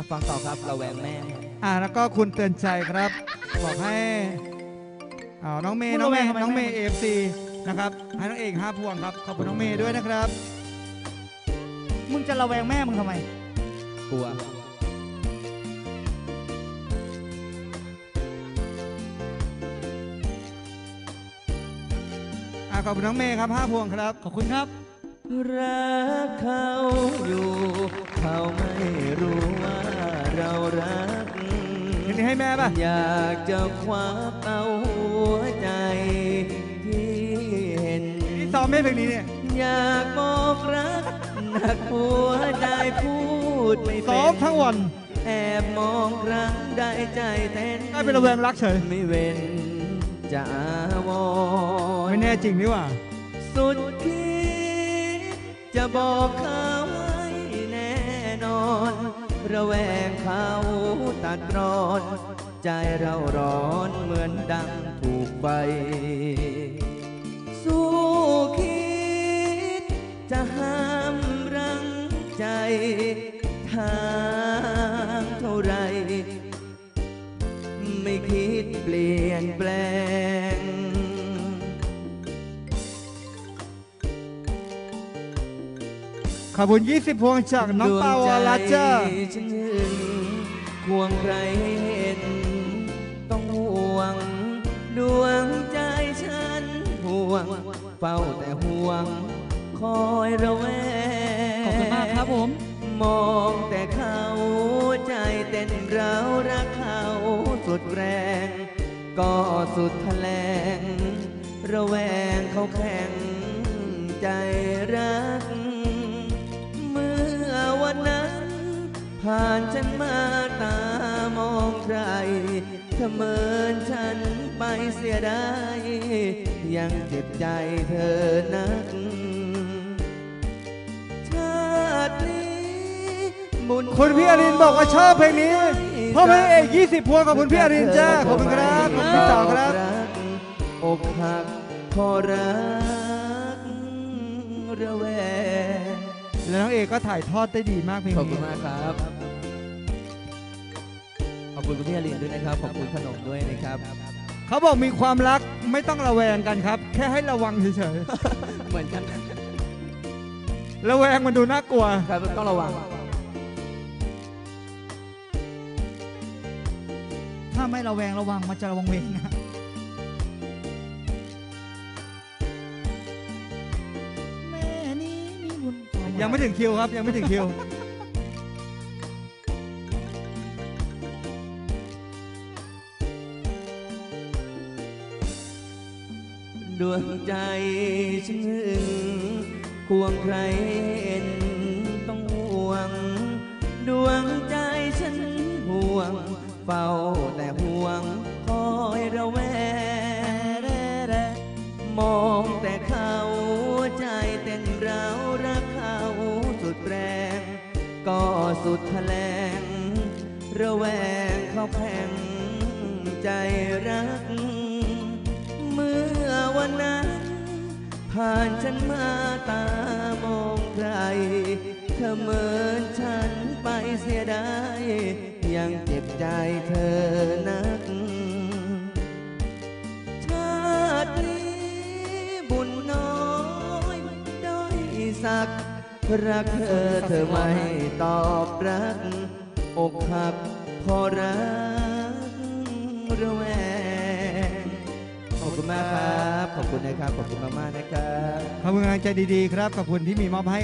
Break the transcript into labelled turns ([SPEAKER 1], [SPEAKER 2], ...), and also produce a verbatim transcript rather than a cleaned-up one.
[SPEAKER 1] ฟังต่อครับระแวงแม่
[SPEAKER 2] อ่าแล้วก็คุณเตือนใจครับบอกให้อ่าน้องเมย์น้องเมย์น้องเมย์เอฟซีนะครับให้น้องเอกห้าพวงครับขอบคุณน้องเมย์ด้วยนะครับ
[SPEAKER 3] มึงจะระแวงแม่มึงทำไม
[SPEAKER 1] กลัว
[SPEAKER 2] อ่าขอบคุณน้องเมย์ครับห้าพวงครับ
[SPEAKER 3] ขอบคุณครับ
[SPEAKER 1] รักเขาอยู่เขาไม่รู้ว่าเรารัก
[SPEAKER 2] นี่ให้แม่ป่ะ
[SPEAKER 1] อยากจะคว้าเอาหัวใจที่เห็น
[SPEAKER 2] นี่ซ้อมไม่เพลงนี้เนี่ย
[SPEAKER 1] อยากบอกรักหนักหัวใจพูดไม่เป็น
[SPEAKER 2] ซ้อมทั้งวัน
[SPEAKER 1] แอบมองครั้งได้ใจเต้น
[SPEAKER 2] กลายเป็นระแวงรักเฉย
[SPEAKER 1] ไม่เว้นจะอาวร
[SPEAKER 2] ไม่แน่จริงนี่ว่า
[SPEAKER 1] สุดคิดจะบอกเขาให้แน่นอนระแวงเขาตัดร้อนใจเราร้อนเหมือนดังถูกไฟสู้คิดจะห้ามรั้งใจทางเท่าไรไม่คิดเปลี่ยนแปลง
[SPEAKER 2] ขอบคุณยี่สิบพวงจากน้องเปาวาลาจ้า
[SPEAKER 1] ฉันห่วงใครให้เห็นต้องห่วงดวงใจฉันห่วงเฝ้าแต่ห่วงคอยระแวง
[SPEAKER 3] ขอบคุณมากครับผม
[SPEAKER 1] มองแต่เขาใจเต้นเรารักเขาสุดแรงก็สุดแถลงระแวงเขาแข็งใจรักเมื่อวันนั้นผ่านฉันมาตามองใครเสมือนฉันไปเสียได้ยังเจ็บใจเธอนักชาตินี้
[SPEAKER 2] คุณพี่อรินบอกว่าชอบเพลงนี้พ่อแม่เอกยี่สิบพวงกับคุณพี่อรินจ้าขอบคุณครับขอบคุณต่อครับ
[SPEAKER 1] อกหักพอรักระแวง
[SPEAKER 2] แล้วน้องเอกก็ถ่ายทอดได้ดีมากเพลงนี้
[SPEAKER 1] ขอบคุณมากครับขอบคุณคุณพี่อรินด้วยนะครับขอบคุณขนมด้วยนะครับ
[SPEAKER 2] เขาบอกมีความรักไม่ต้องระแวงกันครับแค่ให้ระวังเฉย
[SPEAKER 1] ๆเหมือนกัน
[SPEAKER 2] ระแวงมันดูน่ากลัว
[SPEAKER 1] ครับต้องระวัง
[SPEAKER 3] ถ้าไม่ระแวงระวังมันจะระวังเวงนะแม่นี้มีบุญ
[SPEAKER 2] ยังไม่ถึงคิวครับยังไม่ถึงคิว
[SPEAKER 1] ดวงใจฉันควงใครเห็นต้องห่วงดวงใจฉันห่วงเฝ้าแต่ห่วงคอยระแวงมองแต่เขาใจเต้นเรารักเขาสุดแรงก็สุดแถลงระแวงเขาแข็งใจรักเมื่อวันนั้นผ่านฉันมาตามองใครเธอเหมือนฉันไปเสียได้ยังเจ็บใจเธอนักชาตินี้บุญน้อยด้อยสักรักเธอเธอไม่ตอบรักอกหักพอรักระแวงขอบคุณมากครับขอบคุณนะครับขอบคุณมากๆนะครับ
[SPEAKER 2] ขอบคุณกำลังใจดีๆครับขอบคุณที่มีมอบให้